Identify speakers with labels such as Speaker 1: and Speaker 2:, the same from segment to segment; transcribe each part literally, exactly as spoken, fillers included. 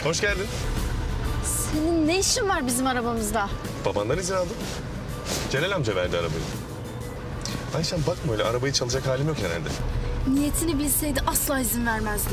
Speaker 1: Hoş geldin.
Speaker 2: Senin ne işin var bizim arabamızda?
Speaker 1: Babandan izin aldım. Celal amca verdi arabayı. Ayşen bakma öyle, arabayı çalacak halim yok herhalde.
Speaker 2: Niyetini bilseydi asla izin vermezdim.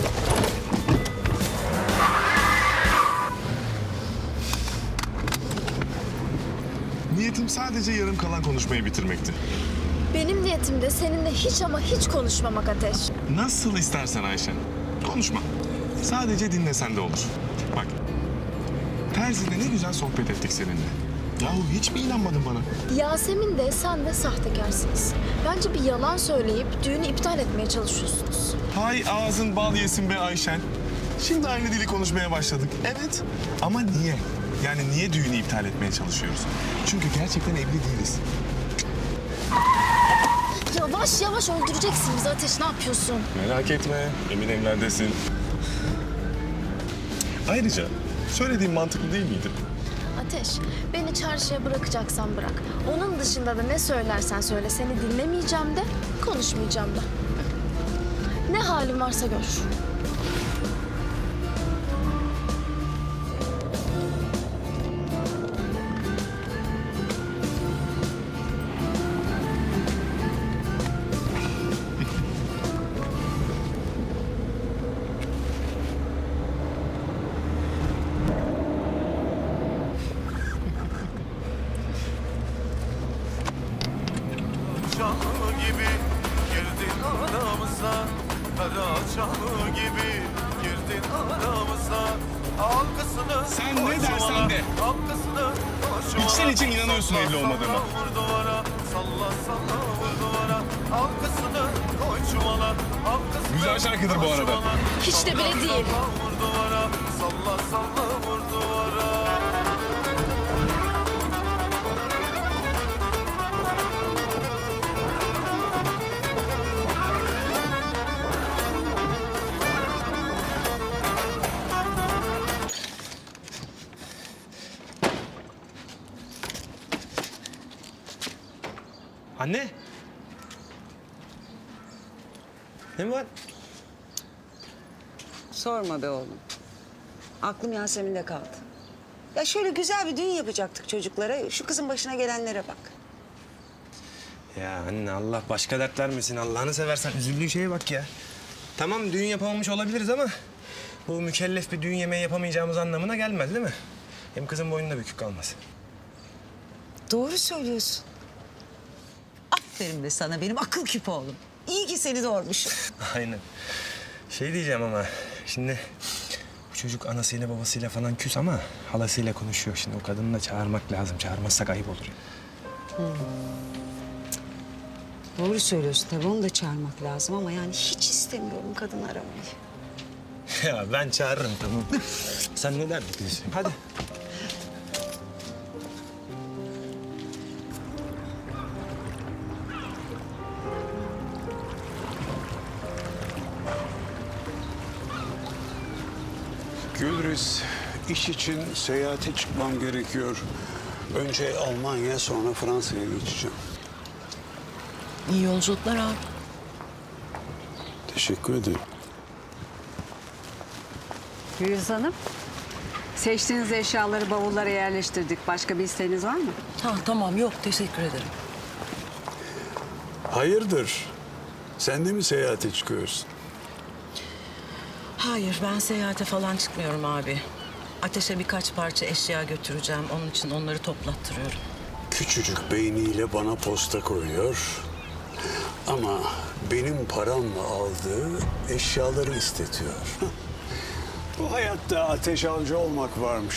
Speaker 1: Niyetim sadece yarım kalan konuşmayı bitirmekti.
Speaker 2: Benim niyetim de seninle hiç ama hiç konuşmamak Ateş.
Speaker 1: Nasıl istersen Ayşen. Konuşma. Sadece dinlesen de olur. Bak. Terzi'de ne güzel sohbet ettik seninle. Yahu hiç mi inanmadın bana?
Speaker 2: Yasemin de sen de sahtekarsınız. Bence bir yalan söyleyip düğünü iptal etmeye çalışıyorsunuz.
Speaker 1: Hay ağzın bal yesin be Ayşen. Şimdi aynı dili konuşmaya başladık. Evet. Ama niye? Yani niye düğünü iptal etmeye çalışıyoruz? Çünkü gerçekten evli değiliz.
Speaker 2: Yavaş yavaş öldüreceksin bizi Ateş, ne yapıyorsun?
Speaker 1: Merak etme. Emin evlerdesin. Ayrıca söylediğim mantıklı değil miydi?
Speaker 2: Ateş, beni çarşıya bırakacaksan bırak. Onun dışında da ne söylersen söyle, seni dinlemeyeceğim de, konuşmayacağım da. Ne halin varsa gör.
Speaker 3: Çanı gibi girdin aramıza, kara çanı gibi girdin aramıza. Halkasını
Speaker 1: Sen ne dersen de.
Speaker 3: halkasını
Speaker 1: İçten için inanıyorsun evli olmadığıma.
Speaker 3: Vur duvara, salla salla vur duvara. Halkasını koy çuvala, halkasını
Speaker 1: Güzel şarkıdır bu
Speaker 3: koy
Speaker 1: arada.
Speaker 3: çuvala.
Speaker 2: Hiç de bile değil.
Speaker 3: Vur duvara, salla salla vur duvara.
Speaker 4: Anne. Ne var?
Speaker 5: Sorma be oğlum. Aklım Yasemin'de kaldı. Ya şöyle güzel bir düğün yapacaktık çocuklara. Şu kızın başına gelenlere bak.
Speaker 4: Ya anne Allah başka dert vermesin. Allah'ını seversen üzüldüğün şeye bak ya. Tamam düğün yapamamış olabiliriz ama bu mükellef bir düğün yemeği yapamayacağımız anlamına gelmez değil mi? Hem kızın boynunda bükük kalmaz.
Speaker 5: Doğru söylüyorsun. Aferin be sana benim akıl küpü oğlum. İyi ki seni doğurmuşum.
Speaker 4: Aynen. Şey diyeceğim ama şimdi bu çocuk anasıyla babasıyla falan küs ama halasıyla konuşuyor. Şimdi o kadını da çağırmak lazım. Çağırmazsak ayıp olur.
Speaker 5: Doğru söylüyorsun tabii onu da çağırmak lazım ama yani hiç istemiyorum kadın aramayı.
Speaker 4: Ya ben çağırırım tamam. Sen ne derdin? Hadi.
Speaker 6: Gülriz, iş için seyahate çıkmam gerekiyor. Önce Almanya, sonra Fransa'ya geçeceğim.
Speaker 7: İyi yolculuklar abi.
Speaker 6: Teşekkür ederim.
Speaker 8: Gülüz Hanım, seçtiğiniz eşyaları bavullara yerleştirdik. Başka bir isteğiniz var mı?
Speaker 7: Ha, tamam yok teşekkür ederim.
Speaker 6: Hayırdır? Sen de mi seyahate çıkıyorsun?
Speaker 7: Hayır ben seyahate falan çıkmıyorum abi. Ateşe birkaç parça eşya götüreceğim. Onun için onları toplattırıyorum.
Speaker 6: Küçücük beyniyle bana posta koyuyor. Ama benim paramla aldığı eşyaları istetiyor. Bu hayatta ateş avcı olmak varmış.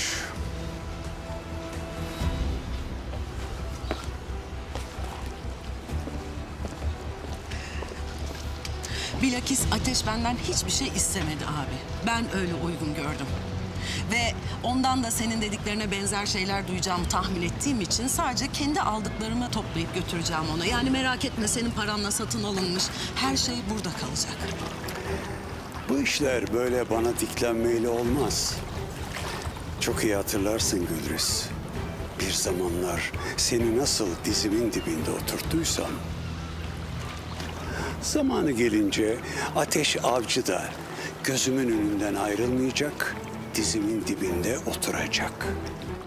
Speaker 7: Bilakis Ateş benden hiçbir şey istemedi abi. Ben öyle uygun gördüm. Ve ondan da senin dediklerine benzer şeyler duyacağımı tahmin ettiğim için sadece kendi aldıklarımı toplayıp götüreceğim ona. Yani merak etme senin paranla satın alınmış her şey burada kalacak.
Speaker 6: Bu işler böyle bana diklenmeyle olmaz. Çok iyi hatırlarsın Gülriz. Bir zamanlar seni nasıl dizimin dibinde oturttuysam... zamanı gelince Ateş Avcı da gözümün önünden ayrılmayacak dizimin dibinde oturacak.